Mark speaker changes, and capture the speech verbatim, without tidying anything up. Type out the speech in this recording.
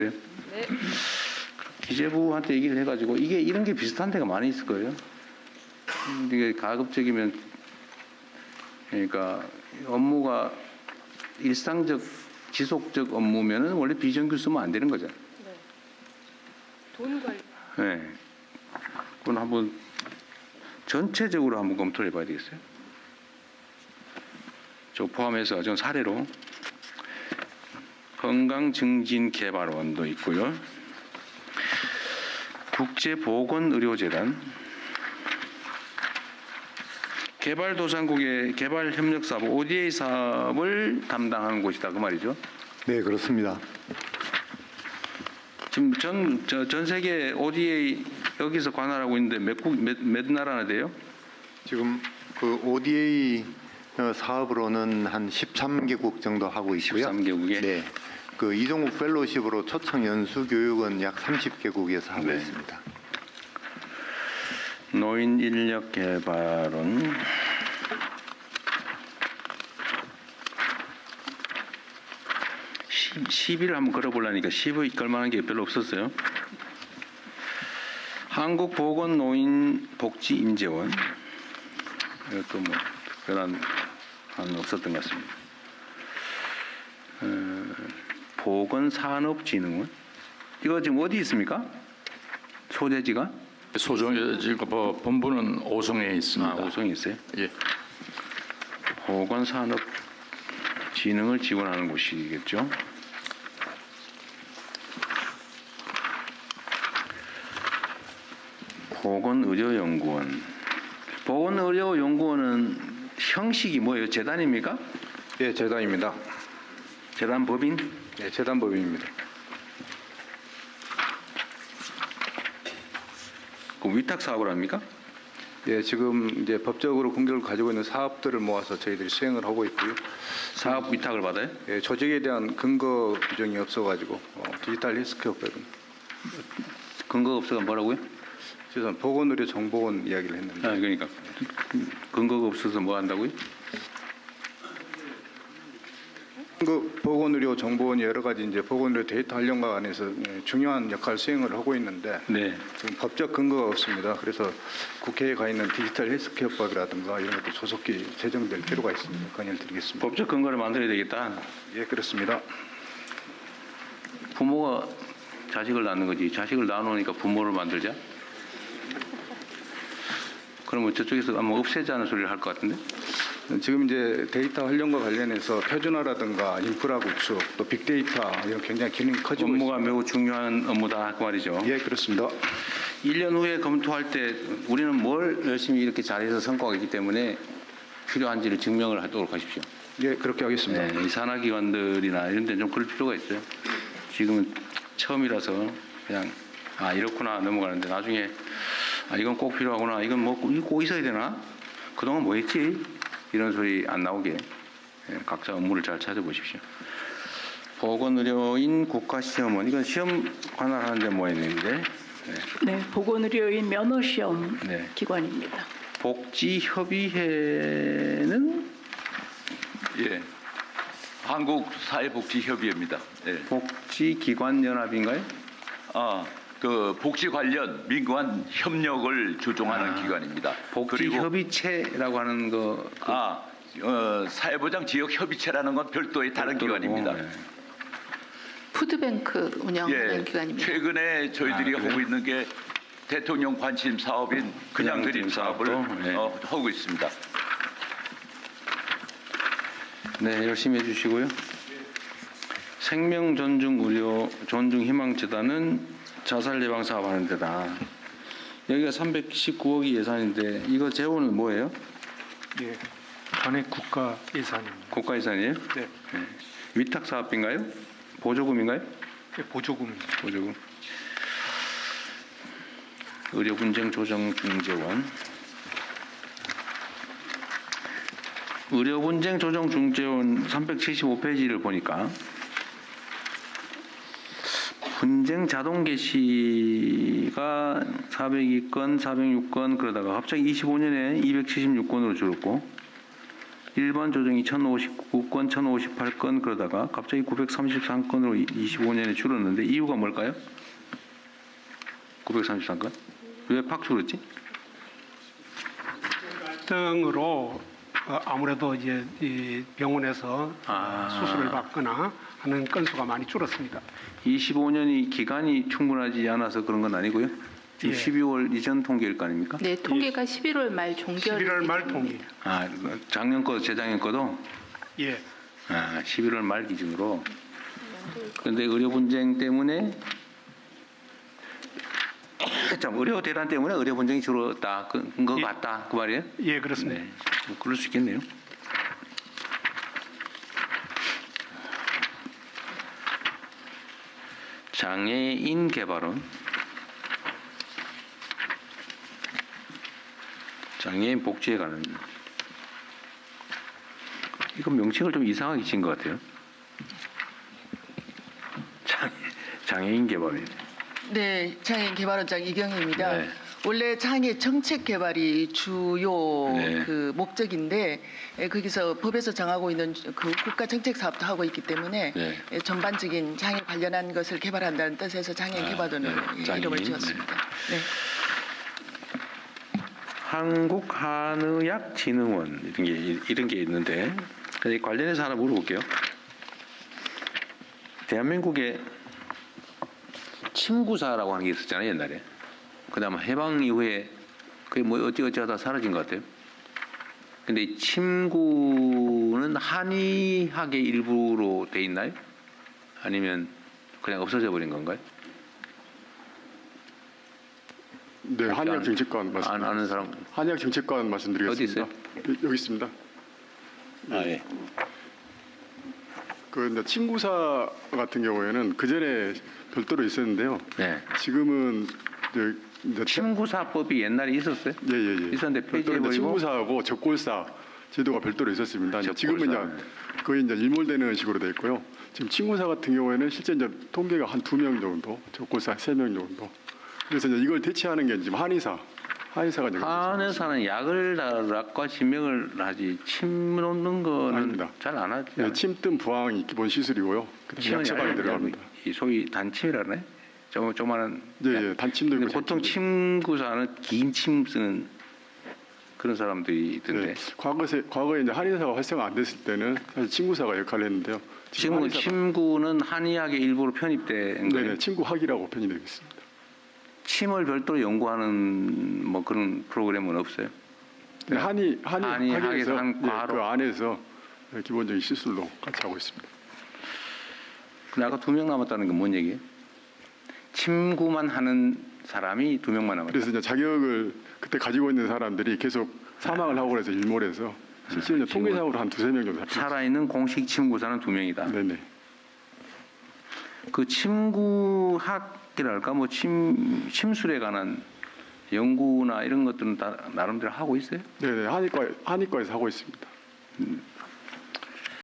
Speaker 1: 네. 기재부한테 얘기를 해가지고 이게 이런 게 비슷한 데가 많이 있을 거예요. 이게 가급적이면 그러니까 업무가 일상적 지속적 업무면은 원래 비정규 쓰면 안 되는 거죠.
Speaker 2: 네. 돈 관리.
Speaker 1: 네. 그건 한번 전체적으로 한번 검토를 해봐야 되겠어요. 저 포함해서 전 사례로 건강증진개발원도 있고요. 국제보건의료재단, 개발도상국의 개발협력사업 오디에이 사업을 담당하는 곳이다 그 말이죠.
Speaker 3: 네, 그렇습니다.
Speaker 1: 지금 전, 저, 전 세계 오디에이 여기서 관할하고 있는데 몇, 국, 몇, 몇 나라나 돼요?
Speaker 3: 지금 그 오디에이 사업으로는 한 십삼 개국 정도 하고 있고요.
Speaker 1: 십삼 개국에?
Speaker 3: 네. 그 이종욱 펠로십으로 초청 연수 교육은 약 삼십 개국에서 하고
Speaker 1: 네.
Speaker 3: 있습니다.
Speaker 1: 노인 인력 개발은 십일을 한번 걸어보려니까 십의 걸만한 게 별로 없었어요. 한국보건노인복지인재원 이것도 뭐 특별한 한 없었던 것 같습니다. 어, 보건산업진흥원 이거 지금 어디 있습니까? 소재지가?
Speaker 4: 소정에 지금 뭐 본부는 오송에 있습니다.
Speaker 1: 아, 오송에 있어요?
Speaker 4: 예.
Speaker 1: 보건산업진흥을 지원하는 곳이겠죠. 보건의료연구원. 보건의료연구원은 형식이 뭐예요? 재단입니까?
Speaker 3: 예, 재단입니다.
Speaker 1: 재단 법인?
Speaker 3: 예, 재단 법인입니다.
Speaker 1: 그 위탁 사업을 합니까?
Speaker 3: 예, 지금 이제 법적으로 공격을 가지고 있는 사업들을 모아서 저희들이 수행을 하고 있고요.
Speaker 1: 사업 위탁을 받아요?
Speaker 3: 예, 조직에 대한 근거 규정이 없어가지고 어, 디지털 헬스케어 법인.
Speaker 1: 근거가 없어서 뭐라고요?
Speaker 3: 죄송 보건의료 정보원 이야기를 했는데.
Speaker 1: 아, 그러니까 근거가 없어서 뭐 한다고요?
Speaker 3: 그 보건의료 정보원이 여러 가지 이제 보건의료 데이터 활용과 관해서 중요한 역할 수행을 하고 있는데
Speaker 1: 네.
Speaker 3: 지금 법적 근거가 없습니다. 그래서 국회에 가 있는 디지털 헬스케어법이라든가 이런 것도 조속히 제정될 필요가 있습니다. 건의를 드리겠습니다.
Speaker 1: 법적 근거를 만들어야 되겠다.
Speaker 3: 예, 그렇습니다.
Speaker 1: 부모가 자식을 낳는 거지. 자식을 낳아놓으니까 부모를 만들자. 그러면 저쪽에서 아마 없애자는 소리를 할 것 같은데?
Speaker 3: 지금 이제 데이터 활용과 관련해서 표준화라든가 인프라 구축, 또 빅데이터 이런 굉장히 기능이 커지고
Speaker 1: 업무가
Speaker 3: 있습니다.
Speaker 1: 매우 중요한 업무다 그 말이죠.
Speaker 3: 예, 그렇습니다.
Speaker 1: 일 년 후에 검토할 때 우리는 뭘 열심히 이렇게 잘해서 성과가 있기 때문에 필요한지를 증명을 하도록 하십시오.
Speaker 3: 예, 그렇게 하겠습니다.
Speaker 1: 네, 이 산하기관들이나 이런 데는 좀 그럴 필요가 있어요. 지금은 처음이라서 그냥 아 이렇구나 넘어가는데 나중에 아 이건 꼭 필요하구나 이건 뭐 꼭 있어야 되나 그동안 뭐 했지 이런 소리 안 나오게 예, 각자 업무를 잘 찾아보십시오. 보건의료인 국가시험원 이건 시험 관할하는데 뭐 있는데 네.
Speaker 5: 네, 보건의료인 면허시험
Speaker 1: 네.
Speaker 5: 기관입니다.
Speaker 1: 복지협의회는
Speaker 4: 예. 한국사회복지협의회입니다. 예.
Speaker 1: 복지기관연합인가요?
Speaker 4: 아, 그 복지 관련 민관 협력을 조종하는
Speaker 1: 아,
Speaker 4: 기관입니다. 그리고
Speaker 1: 복지협의체라고 하는 거 그,
Speaker 4: 아, 어, 사회보장 지역 협의체라는 건 별도의 다른
Speaker 1: 별도라고,
Speaker 4: 기관입니다.
Speaker 1: 네.
Speaker 2: 푸드뱅크 운영하는
Speaker 4: 예.
Speaker 2: 기관입니다.
Speaker 4: 최근에 저희들이
Speaker 1: 아, 그래요?
Speaker 4: 하고 있는 게 대통령 관심 사업인 그냥 드림 사업을
Speaker 1: 사업도? 네.
Speaker 4: 어, 하고 있습니다.
Speaker 1: 네, 열심히 해주시고요. 생명존중의료 존중희망재단은 자살 예방 사업 하는 데다. 여기가 삼백십구억이 예산인데 이거 재원은 뭐예요?
Speaker 6: 예, 관내 국가 예산입니다.
Speaker 1: 국가 예산이에요?
Speaker 6: 네,
Speaker 1: 네. 위탁 사업인가요? 보조금인가요?
Speaker 6: 예, 보조금입니다.
Speaker 1: 보조금. 의료 분쟁 조정 중재원. 의료 분쟁 조정 중재원 삼백칠십오 페이지를 보니까 분쟁 자동 개시가 사백이 건, 사백육 건 그러다가 갑자기 이십오 년에 이백칠십육 건으로 줄었고 일반 조정이 천오십구 건, 천오십팔 건 그러다가 갑자기 구백삼십삼 건으로 이십오 년에 줄었는데 이유가 뭘까요? 구백삼십삼 건? 왜 팍 줄었지?
Speaker 7: 등으로 어, 아무래도 이제 이 병원에서
Speaker 1: 아.
Speaker 7: 수술을 받거나 하는 건수가 많이 줄었습니다.
Speaker 1: 이십오 년이 기간이 충분하지 않아서 그런 건 아니고요. 지금
Speaker 7: 예.
Speaker 1: 십이월 이전 통계일 거 아닙니까?
Speaker 2: 네, 통계가 십일월 말 종결.
Speaker 7: 십일월 말 통계.
Speaker 1: 아, 작년 거, 재작년 거도
Speaker 7: 예.
Speaker 1: 아, 십일월 말 기준으로. 그런데 의료 분쟁 때문에 참 의료 대란 때문에 의료 분쟁이 줄었다. 그, 거
Speaker 7: 예.
Speaker 1: 같다. 그 말이에요?
Speaker 7: 예, 그렇습니다.
Speaker 1: 네. 뭐 그럴 수 있겠네요. 장애인 개발은 장애인 복지에 관한 이거 명칭을 좀 이상하게 지은 것 같아요. 장애, 장애인 개발이.
Speaker 8: 네, 장애인 개발원장 이경희입니다.
Speaker 1: 네.
Speaker 8: 원래 장애 정책 개발이 주요
Speaker 1: 네.
Speaker 8: 그 목적인데 에, 거기서 법에서 정하고 있는 그 국가 정책 사업도 하고 있기 때문에
Speaker 1: 네.
Speaker 8: 에, 전반적인 장애 관련한 것을 개발한다는 뜻에서 장애인
Speaker 1: 아,
Speaker 8: 개발원을
Speaker 1: 네.
Speaker 8: 예,
Speaker 1: 장애인,
Speaker 8: 이름을 지었습니다. 네.
Speaker 1: 한국한의학진흥원 이런 게 이런 게 있는데 근데 관련해서 하나 물어볼게요. 대한민국에 침구사라고 하는 게 있었잖아요 옛날에. 그다음 해방 이후에 그게 뭐 어찌어찌하다 사라진 것 같아요. 근데 이 침구는 한의학의 일부로 돼 있나요? 아니면 그냥 없어져 버린 건가요?
Speaker 9: 네,
Speaker 1: 혹시
Speaker 9: 한의학
Speaker 1: 아는-
Speaker 9: 정책관
Speaker 1: 안
Speaker 9: 말씀.
Speaker 1: 아는 사람
Speaker 9: 한의학 정책관 말씀드리겠습니다.
Speaker 1: 어디
Speaker 9: 여- 여기 있습니다.
Speaker 1: 아 예.
Speaker 9: 그 이제 친구사 같은 경우에는 그 전에 별도로 있었는데요.
Speaker 1: 네.
Speaker 9: 지금은 이제, 이제
Speaker 1: 침구사법이 옛날에 있었어요?
Speaker 9: 예예예.
Speaker 1: 있었는데
Speaker 9: 별도로 이제
Speaker 1: 폐지해버리고
Speaker 9: 친구사하고 적골사 제도가 별도로 있었습니다. 이제 지금은
Speaker 1: 적골사.
Speaker 9: 이제 거의 이제 일몰되는 식으로 돼 있고요. 지금 친구사 같은 경우에는 실제 이제 통계가 한 두 명 정도, 적골사 세 명 정도. 그래서 이제 이걸 대체하는 게 지금 한의사, 한의사가 이제
Speaker 1: 한의사는 약을 달았과 진명을 하지 침 놓는 거는
Speaker 9: 아닙니다.
Speaker 1: 잘 안 하지.
Speaker 9: 네, 침뜸 부항이 기본 시술이고요. 그다음에
Speaker 1: 침은
Speaker 9: 약 처방이
Speaker 1: 약이
Speaker 9: 들어갑니다.
Speaker 1: 이 소위 단침이라네. 좀 조만한.
Speaker 9: 예, 예, 단침도
Speaker 1: 근데
Speaker 9: 있고
Speaker 1: 보통
Speaker 9: 장침도
Speaker 1: 침구사는 긴 침 쓰는 그런 사람들이 있던데.
Speaker 9: 네, 과거에 과거에 이제 한의사가 활성화 안 됐을 때는 사실 친구사가 역할을 했는데요.
Speaker 1: 지금은
Speaker 9: 한의사가-
Speaker 1: 침구는 한의학의 일부로 편입된 거예요.
Speaker 9: 네네 친구학이라고 편이 되고 있습니다.
Speaker 1: 침을 별도로 연구하는 뭐 그런 프로그램은 없어요.
Speaker 9: 네, 한의 한의
Speaker 1: 한의학에서
Speaker 9: 학에서
Speaker 1: 한
Speaker 9: 예,
Speaker 1: 과로.
Speaker 9: 그 안에서 기본적인 시술로 같이 하고 있습니다.
Speaker 1: 근데 아까 두 명 남았다는 건 뭔 얘기예요? 침구만 하는 사람이 두 명만 남았다.
Speaker 9: 그래서 이제 자격을 그때 가지고 있는 사람들이 계속 사망을 하고 그래서 일몰해서 실제로 이제
Speaker 1: 지금
Speaker 9: 통계상으로 한 두세 명 정도 잡혔습니다.
Speaker 1: 살아있는 공식 침구사는 두 명이다.
Speaker 9: 네네.
Speaker 1: 그 침구학이랄까 뭐 침 침술에 관한 연구나 이런 것들은 다 나름대로 하고 있어요.
Speaker 9: 네네 한의과 한의과에서 하고 있습니다.
Speaker 1: 음,